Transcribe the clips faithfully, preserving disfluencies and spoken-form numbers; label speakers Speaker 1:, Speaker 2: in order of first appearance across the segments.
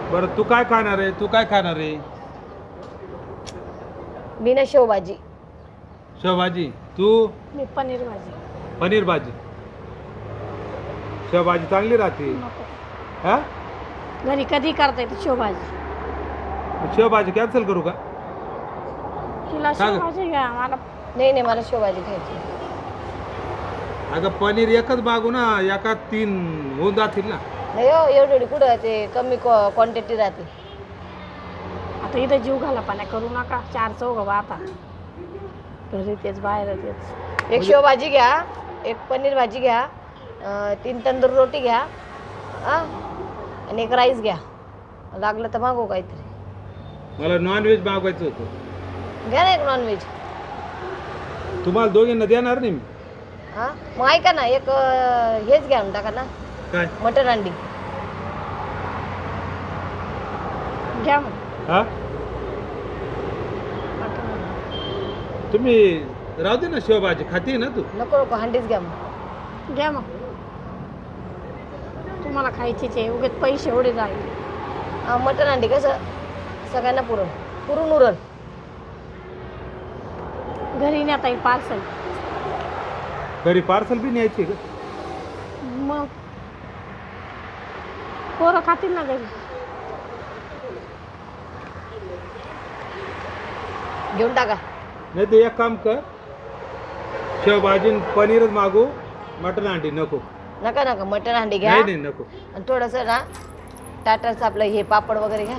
Speaker 1: बरं तू काय खाणार आहे तू काय खाणार आहे
Speaker 2: मी ना शेवभाजी.
Speaker 1: शेवभाजी तू
Speaker 3: मी पनीर भाजी.
Speaker 1: पनीर भाजी शेवभाजी चांगली राहते
Speaker 3: नको.
Speaker 1: हा
Speaker 3: घरी कधी करता येते शेवभाजी.
Speaker 1: शेवभाजी कॅन्सल करू का
Speaker 3: तिला
Speaker 1: का ग?
Speaker 3: शेवभाजी घ्या मला.
Speaker 2: नाही नाही मला शेवभाजी खायची.
Speaker 1: अगं पनीर एकच मागू ना एका तीन होऊन जातील ना
Speaker 2: नाही हो एवढी एवढी कुठं ते कमी क्वांटिटी राहते.
Speaker 3: आता इथं जीव घाला पाण्या करू नका. चार चौघ बा आता घरी तेच बाहेर तेच.
Speaker 2: एक शेवभाजी घ्या, एक पनीर भाजी घ्या, अं, तीन तंदूर रोटी घ्या, हा आणि एक राईस घ्या. लागलं तर मागू काहीतरी.
Speaker 1: मला नॉनव्हेज मागवायचं होतं
Speaker 2: घ्या ना एक नॉनव्हेज.
Speaker 1: तुम्हाला दोघींना देणार नाही मी
Speaker 2: हा मग ऐका ना एक अं, हेच घ्या टाका ना
Speaker 1: काय
Speaker 2: मटन अंडी.
Speaker 3: घ्या मग.
Speaker 1: हा तुम्ही राहू दे ना शेवभाजी खाती ना तू
Speaker 2: नको नको हंडीच घ्या मग.
Speaker 3: घ्या मग. तुम्हाला खायचीच आहे उगेच पैसे एवढे जाईल.
Speaker 2: हा, मटन अंडी कसं सगळ्यांना पुरण पुरून उरण.
Speaker 3: घरी नेता येईल पार्सल.
Speaker 1: घरी पार्सल बी न्यायची का
Speaker 3: मग पोरं खातील ना घरी.
Speaker 2: घेऊन टाका.
Speaker 1: नाही ते एक काम कर शेवभाजी आणि पनीरच मागू मटन अंडी नको
Speaker 2: नका नका मटन अंडी घ्या
Speaker 1: नाही नाही नको
Speaker 2: आणि थोडंसं ना टाटाचं आपलं हे पापड वगैरे घ्या.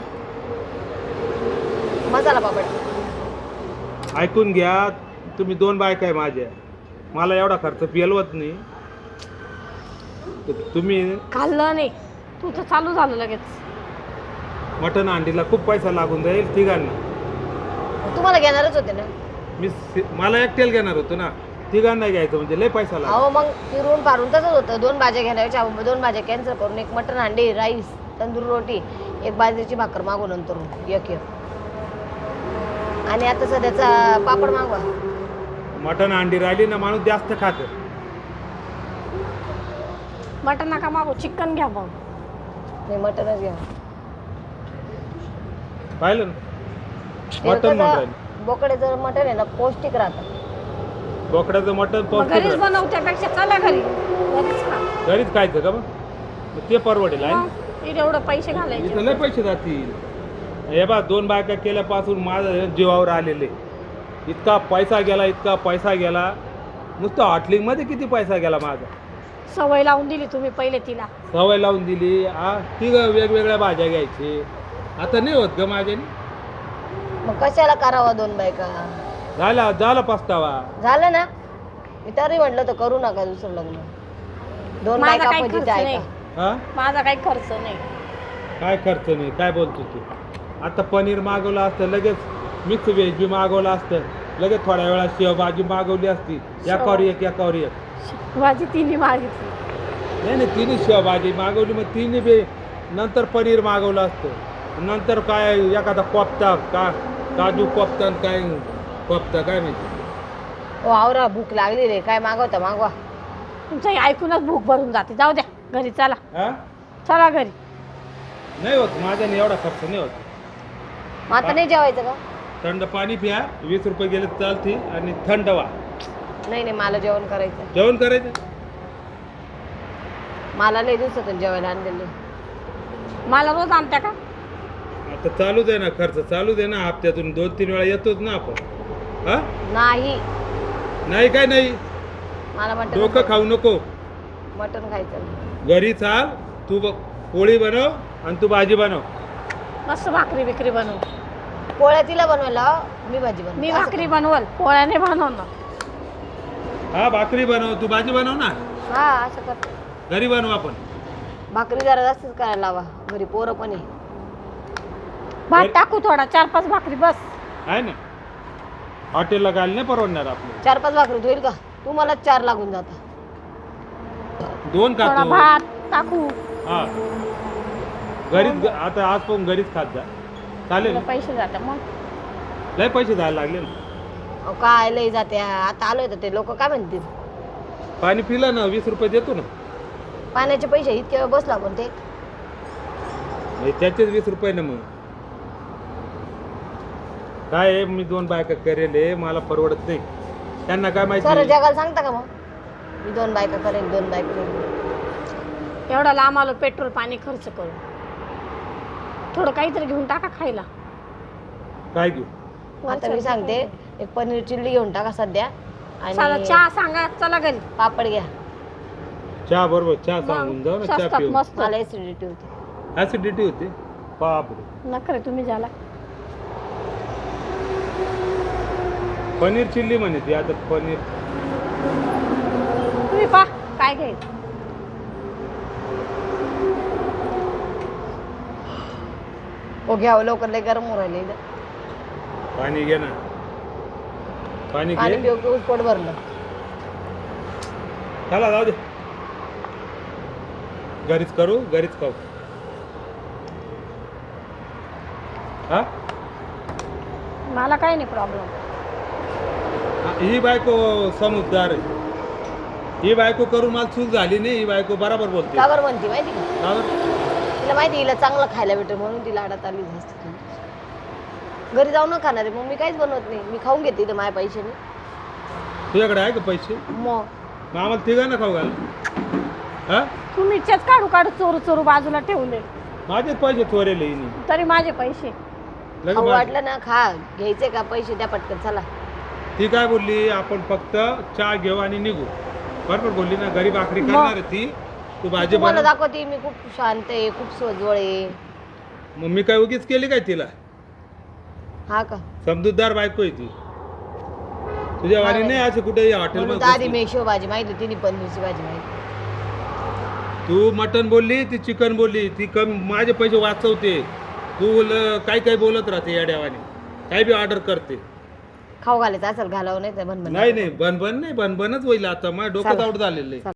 Speaker 2: मसाला पापड.
Speaker 1: ऐकून घ्या तुम्ही दोन बायका आहे माझ्या मला एवढा खर्च पेलवत नाही तर तुम्ही
Speaker 3: खाल्लं नाही तुझं चालू झालं लगेच.
Speaker 1: मटन अंडीला खूप पैसा लागून जाईल तिघांना.
Speaker 2: तुम्हाला घेणारच होते ना.
Speaker 1: मी सि- मला एकट्याला घेणार होतो ना तिघांना घ्यायचं म्हणजे लय पैसा लागला.
Speaker 2: अहो मग फिरून फारून तसंच होतं. दोन भाज्या घेण्याच्या दोन भाज्या कॅन्सल करून एक मटन अंडी राईस तंदूर रोटी एक बाजरीची भाकर मागू नंतर एक एक. आणि आता सध्याचा पापड मागवा.
Speaker 1: मटन अंडी राहिली ना माणूस जास्त खात
Speaker 3: मटन नका मागू चिकन घ्या मग.
Speaker 2: नाही मटनच घ्या.
Speaker 1: पाहिलं ना
Speaker 2: ते
Speaker 1: मटन म्हणून
Speaker 2: कसं
Speaker 1: राहिलं
Speaker 2: बोकड्याचं मटन आहे ना पौष्टिक राहतं.
Speaker 1: बोकड्याचं मटन
Speaker 3: मग
Speaker 1: पौष्टिक
Speaker 3: घरीच
Speaker 1: राहतं.
Speaker 3: बनवत्यापेक्षा चला घरी घरीच खा.
Speaker 1: घरीच खायचं का मग मग ते परवडेल आहे ना?
Speaker 3: मग इथे एवढं पैसे
Speaker 1: इथं
Speaker 3: घालायचे.
Speaker 1: लय पैसे जातील. हे बा दोन बायका केल्यापासून माझं जीवावर आलेले इतका पैसा गेला इतका पैसा गेला नुसतं हॉटलिंगमध्ये किती पैसा गेला माझा.
Speaker 3: सवय लावून दिली तुम्ही पहिले तिला.
Speaker 1: सवय लावून दिली आ ती वेगवेगळ्या भाज्या घ्यायची आता नाही होत ग माझ्याने.
Speaker 2: मग कशाला करावा दोन बायका.
Speaker 1: झाला झाला पस्तावा.
Speaker 2: झालं ना मी तरी म्हटलं तर करू नका दुसरं लग्न. दोन
Speaker 3: माझा
Speaker 2: बायका
Speaker 3: काही
Speaker 2: फजिती
Speaker 3: खर्च
Speaker 2: आहे
Speaker 3: नाही.
Speaker 2: का.
Speaker 1: हा
Speaker 3: माझा काही खर्च नाही.
Speaker 1: काय खर्च नाही काय बोलतो तू. आता पनीर मागवलं असतं लगेच मिक्स व्हेज बी मागवलं असतं लगेच थोड्या वेळात शेवभाजी मागवली असती एकावर एक एकावर एक.
Speaker 3: भाजी तिन्ही मागितली.
Speaker 1: नाही नाही तिने शेवभाजी मागवली मग तिने बी नंतर पनीर मागवलं असतं नंतर काय एखादा कोफ्ता का काजू कोफ्ता आणि काय कोफ्ता काय माहिती.
Speaker 2: हो आवरा भूक लागली रे काय मागवता मागवा.
Speaker 3: तुमचं हे ऐकूनच भूक भरून जाते. जाऊ द्या घरी चला.
Speaker 1: हा
Speaker 3: चला घरी.
Speaker 1: नाही होत माझ्याने एवढा खर्च नाही होत.
Speaker 2: मग आता नाही जेवायचं का.
Speaker 1: थंड पाणी प्या वीस रुपये गेले तर चालते आणि थंड व्हा.
Speaker 2: नाही नाही मला जेवण करायचं.
Speaker 1: जेवण करायचं
Speaker 2: मला लय दिवसातून जेवायला आणलेलं.
Speaker 3: मला रोज आणत्या का.
Speaker 1: आता चालूच आहे ना खर्च चालूच आहे ना हप्त्यातून दोन तीन वेळा येतोच ना आपण. हा
Speaker 2: नाही
Speaker 1: नाही काय नाही
Speaker 2: मला मटन
Speaker 1: डोकं खाऊ नको.
Speaker 2: मटन खायचं.
Speaker 1: घरी चाल तू ब- पोळी बनव आणि तू भाजी बनव.
Speaker 3: मस्त भाकरी बिकरी बनवू.
Speaker 2: पोळ्या तिला बनवायला लाव, मी भाजी बनव.
Speaker 3: मी भाकरी बनवल पोळ्याने बनवणार.
Speaker 1: हा भाकरी बनव तू भाजी बनव ना.
Speaker 2: हा असं कर.
Speaker 1: घरी बनव आपण.
Speaker 2: भाकरी जरा जास्तच करायला लावा घरी पोरं पण आहे.
Speaker 3: भात टाकू थोडा चार पाच भाकरी बस.
Speaker 1: आहे ना हॉटेलला घाल नाही परवडणार आपलं.
Speaker 2: चार पाच भाकरी होईल का तुम्हाला चार लागून जाता.
Speaker 1: दोन
Speaker 3: थोडा
Speaker 1: खातो
Speaker 3: भात टाकू.
Speaker 1: हा घरीच आता आज पण घरीच खात जा चालेल
Speaker 3: तुला पैसे जातात मग.
Speaker 1: लय पैसे जायला लागले ना.
Speaker 2: अहो, काय लय जाते आता आलोय तर ते लोक काय म्हणतील.
Speaker 1: पाणी पिलं ना वीस रुपये देतो ना.
Speaker 2: पाण्याचे पैसे इतके वेळ बसलो आपण ते
Speaker 1: म्हणजे त्याचेच वीस रुपये ना मग काय आहे, मी दोन बायका करेल हे, मला परवडत नाही. त्यांना काय
Speaker 2: सर
Speaker 1: माहिती
Speaker 2: जगाला सांगता का मग मी दोन बायका करेन दोन बायका करेन.
Speaker 3: एवढा लांब आलो पेट्रोल पाणी खर्च करू थोडं काहीतरी घेऊन टाका खायला.
Speaker 1: काय घेऊ.
Speaker 2: आता मी सांगते एक पनीर चिल्ली घेऊन टाका सध्या
Speaker 3: चला
Speaker 2: आणि
Speaker 3: चहा सांगा चला घरी.
Speaker 2: पापड घ्या.
Speaker 1: चहा बरोबर चहा सांगून जाऊ ना, चहा
Speaker 3: स्वस्तात
Speaker 1: पिऊ.
Speaker 3: मस्त.
Speaker 2: मला ऍसिडिटी होती.
Speaker 1: ऍसिडिटी होते बापरे.
Speaker 3: नखरे तुम्ही झाला.
Speaker 1: पनीर चिल्ली म्हणे ती आता पनीर.
Speaker 3: तुम्ही पा काय घ्यायचं.
Speaker 2: हो घ्यावं लवकर लय गरम होऊ राहिले इथं.
Speaker 1: पाणी घे ना, पाणी
Speaker 2: पाणी
Speaker 1: घे.
Speaker 2: पिऊ पिऊ पोट भरलं.
Speaker 1: चला जाऊ दे, घरीच करू घरीच खाऊ. हा
Speaker 3: मला काही नाही प्रॉब्लेम.
Speaker 1: ही बायको समजदार आहे. ही बायको करून मला चूक झाली नाही. ही बायको बरोबर बोलते.
Speaker 2: का बरं म्हणते माहिती का
Speaker 1: का बरं?
Speaker 2: तिला माहिती हिला चांगलं खायला भेटेल म्हणून ती लाडात आली जास्त. घरी जाऊ न खाणार आहे मग मी काहीच बनवत नाही. मी खाऊन घेते इथं माझ्या पैशाने.
Speaker 1: तुझ्याकडे आहे का पैसे?
Speaker 2: मग
Speaker 1: मग आम्हाला तिघांना खाऊ घाल. हा
Speaker 3: तुम्ही इच्छाच काढू काढू चोरू चोरू बाजूला ठेवले
Speaker 1: माझेच पैसे चोरेले हिने.
Speaker 3: तरी माझे पैसे.
Speaker 1: लगे
Speaker 2: खाऊ
Speaker 1: माझे.
Speaker 2: वाटलं ना खा घ्यायचे का पैसे द्या पटकन चला.
Speaker 1: ती काय बोलली, आपण फक्त चहा घेऊ आणि निघू. बरोबर बोलली ना. गरीब आखरी करणार आहे ती. तू भाजी
Speaker 2: तुम्हाला
Speaker 1: बनव.
Speaker 2: दाखवते मी खूप शांत आहे खूप सोजवळ आहे.
Speaker 1: मग मी काय उगीच केली काय तिला?
Speaker 2: हा का
Speaker 1: समजूतदार बायको आहे ती. तुझ्या वाणी नाही असे कुठे
Speaker 2: म्हणून तर आधी
Speaker 1: हॉटेल.
Speaker 2: मेशो भाजी माहिती होती नी पनीरची भाजी माहिती.
Speaker 1: तू मटन बोलली, ती चिकन बोलली. ती कम माझे पैसे वाचवते. तू ल- काय काय बोलत राहते या देवाने. काय बी ऑर्डर करते.
Speaker 2: खाऊ घालायचं असेल घालावं नाही तर बनबन
Speaker 1: नाही नाही बनबन नाही, बनबनच होईल आता. माझं डोकं
Speaker 2: चला.
Speaker 1: आउट झालेलं आहे.